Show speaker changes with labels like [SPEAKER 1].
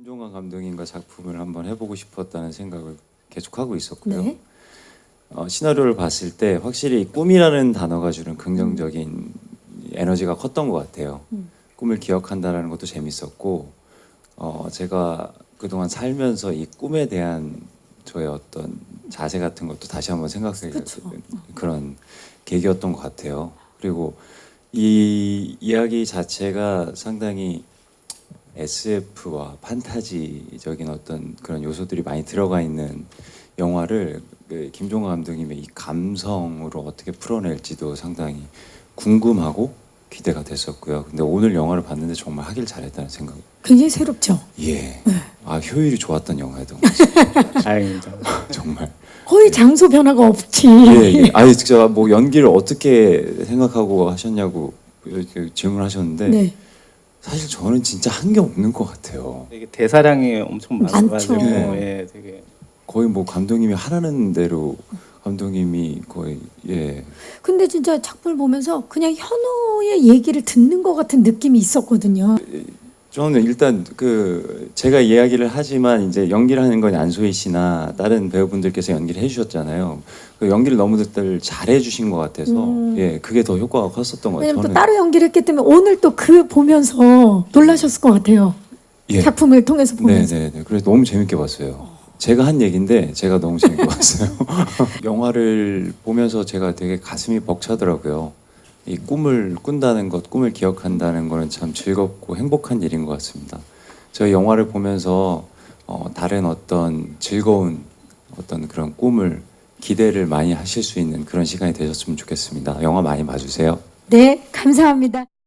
[SPEAKER 1] 김종관 감독님과 작품을 한번 해보고 싶었다는 생각을 계속하고 있었고요.
[SPEAKER 2] 네.
[SPEAKER 1] 시나리오를 봤을 때 확실히 꿈이라는 단어가 주는 긍정적인 에너지가 컸던 것 같아요. 꿈을 기억한다라는 것도 재밌었고, 제가 그동안 살면서 이 꿈에 대한 저의 어떤 자세 같은 것도 다시 한번 생각하게
[SPEAKER 2] 그쵸.
[SPEAKER 1] 그런 계기였던 것 같아요. 그리고 이 이야기 자체가 상당히 SF와 판타지적인 어떤 그런 요소들이 많이 들어가 있는 영화를 김종관 감독님의 이 감성으로 어떻게 풀어낼지도 상당히 궁금하고 기대가 됐었고요. 근데 오늘 영화를 봤는데 정말 하길 잘했다는 생각.
[SPEAKER 2] 굉장히 새롭죠.
[SPEAKER 1] 예. 아, 효율이 좋았던 영화였던 것 같아요.
[SPEAKER 3] 다행입니다.
[SPEAKER 1] 정말.
[SPEAKER 2] 거의 장소 변화가 없지.
[SPEAKER 1] 예, 예. 아니 진짜 뭐 연기를 어떻게 생각하고 하셨냐고 이렇게 질문하셨는데
[SPEAKER 2] 네.
[SPEAKER 1] 사실 저는 진짜 한 게 없는 것 같아요.
[SPEAKER 3] 이게 대사량이 엄청 많아가지고
[SPEAKER 2] 많죠.
[SPEAKER 3] 예, 되게
[SPEAKER 1] 거의 뭐 감독님이 하라는 대로 감독님이 거의 예.
[SPEAKER 2] 근데 진짜 작품을 보면서 그냥 현우의 얘기를 듣는 것 같은 느낌이 있었거든요.
[SPEAKER 1] 저는 일단 그 제가 이야기를 하지만 이제 연기를 하는 건 안소희 씨나 다른 배우분들께서 연기를 해주셨잖아요. 그 연기를 너무들 잘해주신 것 같아서 예 그게 더 효과가 컸었던 것 같아요.
[SPEAKER 2] 왜냐면 또
[SPEAKER 1] 저는
[SPEAKER 2] 따로 연기를 했기 때문에 오늘 또 그 보면서 놀라셨을 것 같아요.
[SPEAKER 1] 예.
[SPEAKER 2] 작품을 통해서 보면서.
[SPEAKER 1] 네네네. 그래서 너무 재밌게 봤어요. 제가 한 얘기인데 제가 너무 재밌게 봤어요. 영화를 보면서 제가 되게 가슴이 벅차더라고요. 이 꿈을 꾼다는 것, 꿈을 기억한다는 거는 참 즐겁고 행복한 일인 것 같습니다. 저희 영화를 보면서 다른 어떤 즐거운 어떤 그런 꿈을 기대를 많이 하실 수 있는 그런 시간이 되셨으면 좋겠습니다. 영화 많이 봐주세요.
[SPEAKER 2] 네, 감사합니다.